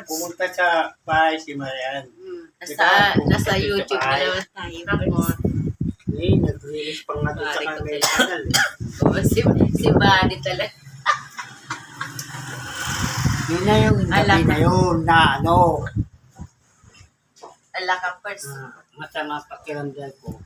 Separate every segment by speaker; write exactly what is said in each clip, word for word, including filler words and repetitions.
Speaker 1: Parts.
Speaker 2: pumunta sa bahay si Marian.
Speaker 3: Nasa, nasa YouTube na naman tayo.
Speaker 1: Tapos,
Speaker 2: Eh, nag-release pa nga doon sa
Speaker 3: Pare ko
Speaker 2: kanyang
Speaker 3: talaga.
Speaker 2: channel. eh.
Speaker 3: Oo, si, si Buddy talaga.
Speaker 2: Yun na yung gabi
Speaker 3: Alam
Speaker 2: na
Speaker 3: na.
Speaker 2: yun na ano,
Speaker 3: Ala ka first.
Speaker 2: ah, masama pakiramdam ko.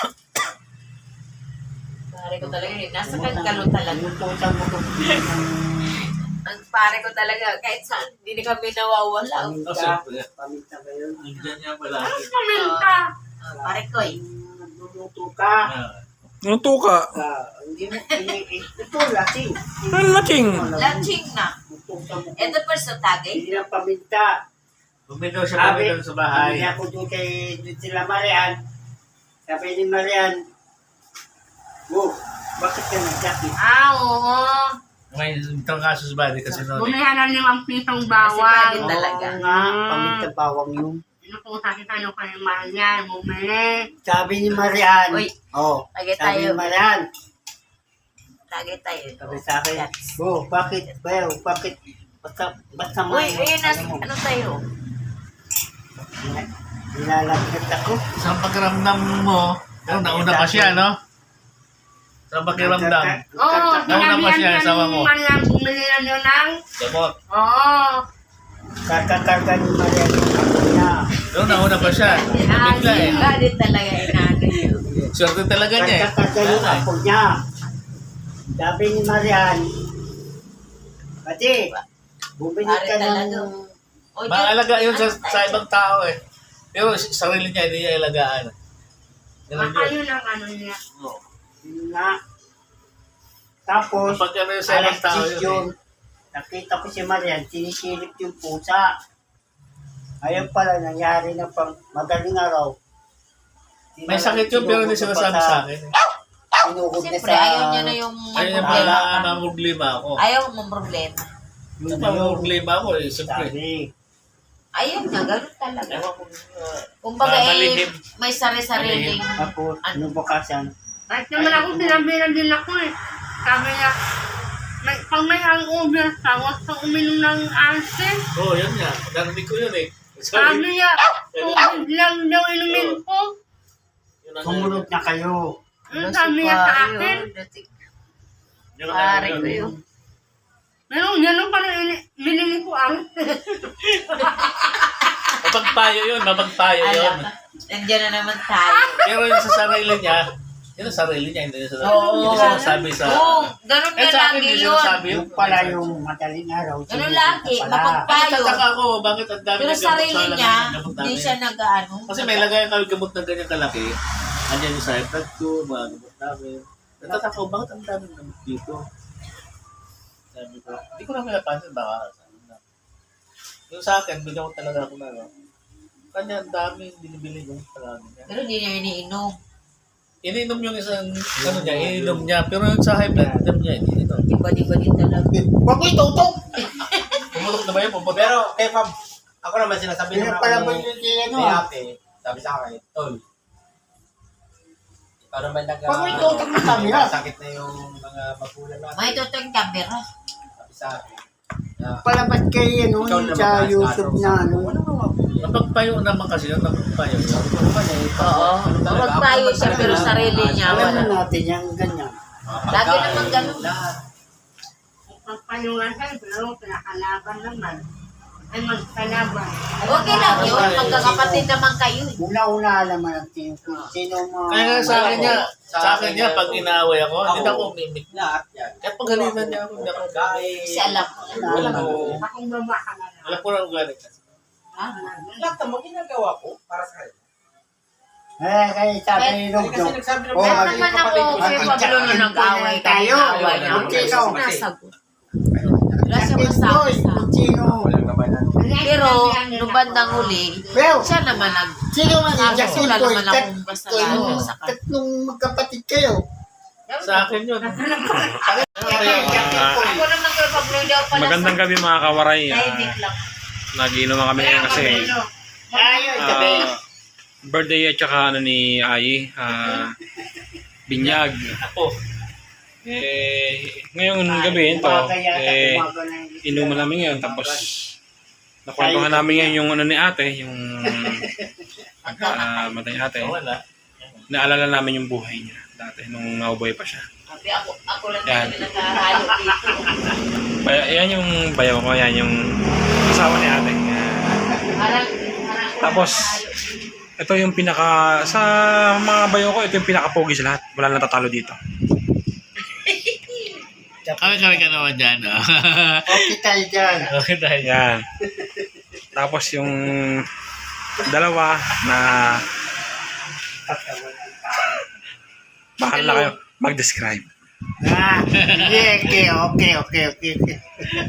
Speaker 3: Pare ko talaga yun. Nasa kagkalo talaga.
Speaker 2: Inutusan mo ko
Speaker 3: Ang pare ko talaga. Kahit saan, hindi na kami nawawala.
Speaker 2: paminta. Paminta ba yun?
Speaker 4: Nandiyan niya pala.
Speaker 1: paminta.
Speaker 3: Ah, pare ko eh.
Speaker 2: Nagluluto ka.
Speaker 1: Anong tuka?
Speaker 2: Ah, hindi mo, ini- ito, lasing.
Speaker 1: Anong laking?
Speaker 3: Launching na.
Speaker 2: Inutusan mo ko.
Speaker 3: Ito first na tagay.
Speaker 2: Hindi lang paminta.
Speaker 4: Bumitaw siya
Speaker 2: Sabi,
Speaker 4: bumitaw sa bahay.
Speaker 2: Sabi ako doon kay doon sila Marian. Sabi ni Marian, oh, bakit ka nagkakit?
Speaker 1: Ah, oo.
Speaker 4: May itong kaso sa body kasi noon.
Speaker 1: Bumili na limang pisong
Speaker 3: Kasi
Speaker 1: bawang.
Speaker 3: bagay talaga.
Speaker 2: Oo nga, paminta bawang yun.
Speaker 1: Inukuha kita nyo kayo Marian. Bumili.
Speaker 2: Sabi ni Marian,
Speaker 3: Uy,
Speaker 2: oh,
Speaker 3: tagay
Speaker 2: sabi
Speaker 3: tayo.
Speaker 2: ni Marian,
Speaker 3: Tagay tayo.
Speaker 2: sabi sa akin, oh, bakit, well, bakit, basta, basta
Speaker 3: Uy,
Speaker 2: may-
Speaker 3: ayun na.
Speaker 2: ano mo,
Speaker 3: Ano tayo?
Speaker 2: nilalagkat ako.
Speaker 4: Sa pakiramdam mo, pero nauna pa siya, no? Sa pakiramdam.
Speaker 1: Oo,
Speaker 4: Nauna pa siya,
Speaker 1: sinabihan
Speaker 4: asawa
Speaker 1: ka
Speaker 4: mo.
Speaker 1: ni Marian. Bumili na nyo ng...
Speaker 4: Gamot.
Speaker 1: Oo.
Speaker 2: Kakakarga ni Marian yung ako niya.
Speaker 4: Pero nauna pa siya. Bigla eh.
Speaker 3: Buddy talaga inaagay yun.
Speaker 4: Swerte talaga niya eh.
Speaker 2: Kakakarga yung
Speaker 4: Wala eh.
Speaker 2: ako niya. Sabi ni Marian, pati, bumili
Speaker 3: Pare
Speaker 2: ka
Speaker 3: talaga.
Speaker 2: ng...
Speaker 3: O, di-
Speaker 4: Maalaga yun sa,
Speaker 3: ano
Speaker 4: sa
Speaker 3: tayo?
Speaker 4: ibang tao eh. Pero sarili niya, hindi niya ilagaan. Ganun
Speaker 1: Baka
Speaker 4: yun.
Speaker 1: yun ang ano niya.
Speaker 4: Oo.
Speaker 2: Yun nga. Tapos,
Speaker 4: Kapag ano yun sa ibang
Speaker 2: alas
Speaker 4: tao
Speaker 2: diyes
Speaker 4: yun
Speaker 2: yun,
Speaker 4: eh.
Speaker 2: nakita ko si Marian, sinisilip yung pusa. Ayun pala, nangyari na pang madaling araw.
Speaker 4: May sakit yun pero hindi sinasabi sa akin. eh.
Speaker 2: Sinugod na
Speaker 3: Siyempre,
Speaker 2: sa...
Speaker 3: ayaw niya na yung
Speaker 4: Ayun yung
Speaker 3: problema.
Speaker 4: pala mamroblema ako.
Speaker 3: Ayaw mong problema.
Speaker 2: Yun
Speaker 4: Yung
Speaker 2: na yun.
Speaker 4: mamroblema ako eh, siyempre.
Speaker 2: Sabi,
Speaker 3: Ayaw niya, ganun talaga.
Speaker 4: Ewan ko, uh,
Speaker 3: Kumbaga eh,
Speaker 4: malihim.
Speaker 3: may sari-sariling...
Speaker 2: tapos, ano bukasan?
Speaker 1: Kahit naman ako sinabihan din ako eh. Sabi niya, may, pag may hangover ka, huwag kang uminom ng alsin.
Speaker 4: Oo, oh, yun nga. Narinig ko yun eh.
Speaker 1: Sabi
Speaker 4: Sabi,
Speaker 1: niya, tubig lang daw inumin ko.
Speaker 4: yun ang-
Speaker 2: Sumunod na kayo.
Speaker 1: Ano sabi niya sa akin?
Speaker 4: yun ang-
Speaker 3: Pare ko yun.
Speaker 1: Pero gano'n pa rin binili ko ang...
Speaker 4: Mapagpayo yun, mapagpayo yun.
Speaker 3: Alam ka, nandiyan na naman tayo.
Speaker 4: Pero yun sa sarili niya, yun ang sarili niya, hindi niya
Speaker 3: Oo.
Speaker 4: hindi niya sinasabi sa...
Speaker 3: Oo, ganun
Speaker 4: Eh
Speaker 3: nga
Speaker 4: sa akin,
Speaker 3: lagi
Speaker 4: hindi
Speaker 3: yun.
Speaker 4: sinasabi yun.
Speaker 2: Yung pala yung madaling araw.
Speaker 3: Ganun
Speaker 2: sinugod
Speaker 3: lagi,
Speaker 2: na pala.
Speaker 3: mapagpa-
Speaker 4: Bakit tataka ako, bakit ang dami
Speaker 3: Pero
Speaker 4: ng gamot
Speaker 3: sarili
Speaker 4: sa
Speaker 3: niya,
Speaker 4: lagay ng gamot
Speaker 3: hindi
Speaker 4: namin?
Speaker 3: siya nag-ano.
Speaker 4: Kasi may lagayan kami gamot na ganyan kalaki. Andiyan yung side pad ko, mga gamot namin. Natataka ko, bakit ang dami ng gamot dito? Sabi ko, hindi ko namin napansin, baka sabi na. Yung sa akin, bigyan ko talaga ako na, no? Kanya, ang dami binibili yung talaga niya.
Speaker 3: Pero hindi niya iniinom.
Speaker 4: Ininom yung isang, ano niya, ininom niya. Pero yung sa high blood, alam niya, hindi ito.
Speaker 3: Iba-iba din talaga.
Speaker 2: Huwag mo itutok!
Speaker 4: Pumutok na ba yun? Pumutok?
Speaker 5: Pero, kay Fab, ako naman sinasabi
Speaker 2: Kaya
Speaker 5: naman
Speaker 2: pala
Speaker 5: ako
Speaker 2: ba
Speaker 5: ni,
Speaker 2: yun yung ano
Speaker 5: ni
Speaker 2: ah?
Speaker 5: ate, sabi sa akin, Tol, ikaw naman nag-
Speaker 2: Huwag mo itutok ng camera.
Speaker 5: sakit na yung mga magulang natin.
Speaker 3: May totoo yung camera.
Speaker 5: Sabi sa akin, na,
Speaker 2: Palabas kay ano,
Speaker 5: ikaw
Speaker 2: yung
Speaker 5: naman
Speaker 2: sa
Speaker 5: mas
Speaker 2: YouTube
Speaker 5: kaso.
Speaker 2: na ano.
Speaker 5: Wala naman.
Speaker 4: Napagpayo naman kasi yun, napagpayo.
Speaker 5: Ako naman eh.
Speaker 3: Oo. Magpayo siya pero sarili niya
Speaker 2: Alam
Speaker 3: wala.
Speaker 2: mo natin yung ganyan.
Speaker 3: Lagi naman ganun.
Speaker 5: Lahat.
Speaker 1: Magpayungan kayo, pero pinakalaban naman. Ay magkalaban.
Speaker 3: Okay lang yun, magkakapatid naman kayo. eh.
Speaker 2: Una-una alaman natin kung sino mga...
Speaker 4: Kaya nga sa akin niya, sa akin niya, pag inaaway ako, hindi na ako mimik.
Speaker 5: Lahat yan.
Speaker 4: Kaya pag galitan niya ako, hindi ako
Speaker 5: Kahit,
Speaker 3: Kasi alam ko.
Speaker 5: alam mo,
Speaker 1: Akong baba ka na lang.
Speaker 4: Alam ko na ang galit.
Speaker 3: Ha?
Speaker 5: lahat naman ginagawa ko para sa kanya.
Speaker 2: Eh, kaya sabi ni
Speaker 5: Kasi
Speaker 2: Rugdo.
Speaker 5: nagsabi ng
Speaker 2: Oh,
Speaker 3: Kaya
Speaker 2: mag-
Speaker 3: naman ako kay Pablo na nag-away
Speaker 2: tayo.
Speaker 3: away na ako.
Speaker 2: Sino?
Speaker 3: Sinasagot. Wala siya
Speaker 2: Boy,
Speaker 3: masabi sa
Speaker 2: kung sino?
Speaker 5: Walang naman na.
Speaker 3: Pero, nung bandang huli,
Speaker 2: Well,
Speaker 3: siya naman nag...
Speaker 2: sino man yung
Speaker 3: Kaso
Speaker 2: Justin
Speaker 3: wala
Speaker 2: Boy?
Speaker 3: naman
Speaker 2: Tat-
Speaker 3: akong kasalanan sa kanya.
Speaker 2: Tatlong magkapatid kayo.
Speaker 4: Sa akin yun.
Speaker 3: Ako naman kay Pablo daw pala
Speaker 1: Magandang gabi mga kawaray.
Speaker 3: sa...
Speaker 1: Ah,
Speaker 3: Tahimik lang.
Speaker 1: nagiinom kami ngayon kasi
Speaker 2: Ayun, sabi.
Speaker 1: ah, birthday at saka ano ni Ai, ah, binyag.
Speaker 4: Ako.
Speaker 1: Eh, ngayong gabi ito, eh, inuman namin ngayon tapos
Speaker 6: Nakwentuhan namin ngayon yung ano ni ate, yung pagkamatay ni ate.
Speaker 4: Oh, wala.
Speaker 6: Naalala namin yung buhay niya dati nung naubuhay pa siya.
Speaker 3: Sabi ako, ako lang
Speaker 6: Yan.
Speaker 3: talaga nakahalo dito.
Speaker 6: Baya, yan yung bayaw ko, yan yung asawa ni ate. Yan.
Speaker 3: Parang, parang ako
Speaker 6: Tapos,
Speaker 3: nakahalo.
Speaker 6: ito yung pinaka, sa mga bayaw ko, ito yung pinaka-pogi sa lahat. Wala nang natatalo dito.
Speaker 4: Kami-kami ka naman dyan, ah.
Speaker 2: Okay tayo dyan.
Speaker 4: Okay tayo.
Speaker 6: Yan. Tapos yung dalawa na bahala kayo mag-describe.
Speaker 2: Ah, yeah, okay, okay, okay, okay, okay.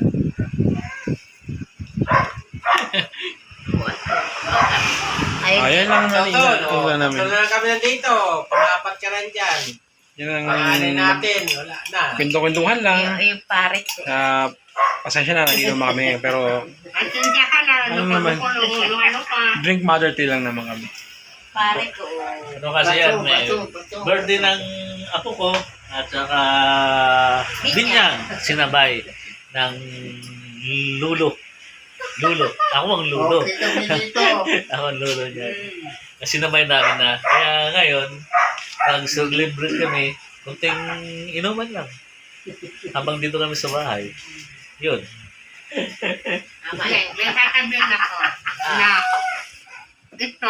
Speaker 3: Ayun.
Speaker 6: Ayan lang
Speaker 5: So,
Speaker 6: namin.
Speaker 5: tol,
Speaker 6: Ito
Speaker 5: oh,
Speaker 6: lang namin.
Speaker 5: tatlo na lang kami nandito. Pang-apat ka lang dyan.
Speaker 6: Yan ang
Speaker 5: Pangalan natin, wala na.
Speaker 6: kwento-kwentuhan lang.
Speaker 3: Yung, yung pare ko.
Speaker 6: Uh, pasensya na, nag-inom kami. Pero
Speaker 1: Ang tinda ka na,
Speaker 6: Ano
Speaker 1: ano
Speaker 6: naman?
Speaker 1: pa, ano pa.
Speaker 6: drink mother tea lang naman kami.
Speaker 3: Pare ko.
Speaker 4: Ano kasi yan,
Speaker 2: Bato,
Speaker 4: eh,
Speaker 2: bato, bato.
Speaker 4: birthday ng apo ko at saka binyang sinabay ng lulo. Lulo. Ako ang lulo.
Speaker 2: Okay kami dito.
Speaker 4: Ako ang lulo niya. Kasi sinabay namin na. Kaya ngayon, nag-celebrate kami, kunting inuman lang. Habang dito kami sa bahay. Yun.
Speaker 3: Tama
Speaker 1: May,
Speaker 3: yan.
Speaker 1: may sasabihin ako na ito,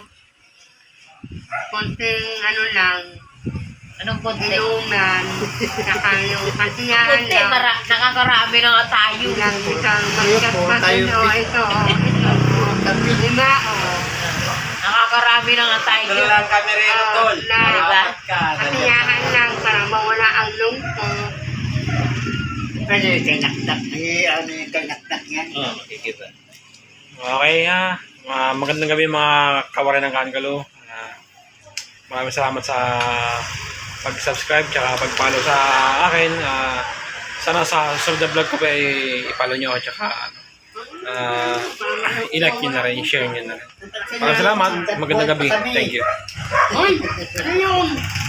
Speaker 1: konting ano lang,
Speaker 3: Anong konti?
Speaker 1: inuman, saka yung kasiyahan
Speaker 3: Konti,
Speaker 1: lang.
Speaker 3: mara, nakakarami na nga tayo.
Speaker 1: Lang isang magkat
Speaker 2: po,
Speaker 1: pa
Speaker 2: tayo
Speaker 1: ito,
Speaker 2: pi-
Speaker 1: ito, oh, ito, lima, oh.
Speaker 3: Nakakarami na nga tayo.
Speaker 5: Tatlo lang kami rin,
Speaker 1: Ah,
Speaker 5: tol.
Speaker 1: na-
Speaker 5: Pang-apat ka.
Speaker 1: Kasiyahan lang para mawala ang lungkot.
Speaker 2: Ano yung kanaktak? Ay, ano yung kanaktak yan?
Speaker 4: Oo, oh, makikita.
Speaker 6: Okay ha. Uh, magandang gabi mga kawarin ng Kankalo. Uh, maraming salamat sa pag-subscribe tsaka pag-follow sa akin. Uh, sana sa susunod na vlog ko pa i- i-follow nyo at tsaka ano, uh, i-like nyo na rin, i-share nyo na rin. Maraming salamat. Magandang gabi. Thank you.
Speaker 1: Uy, ano yun?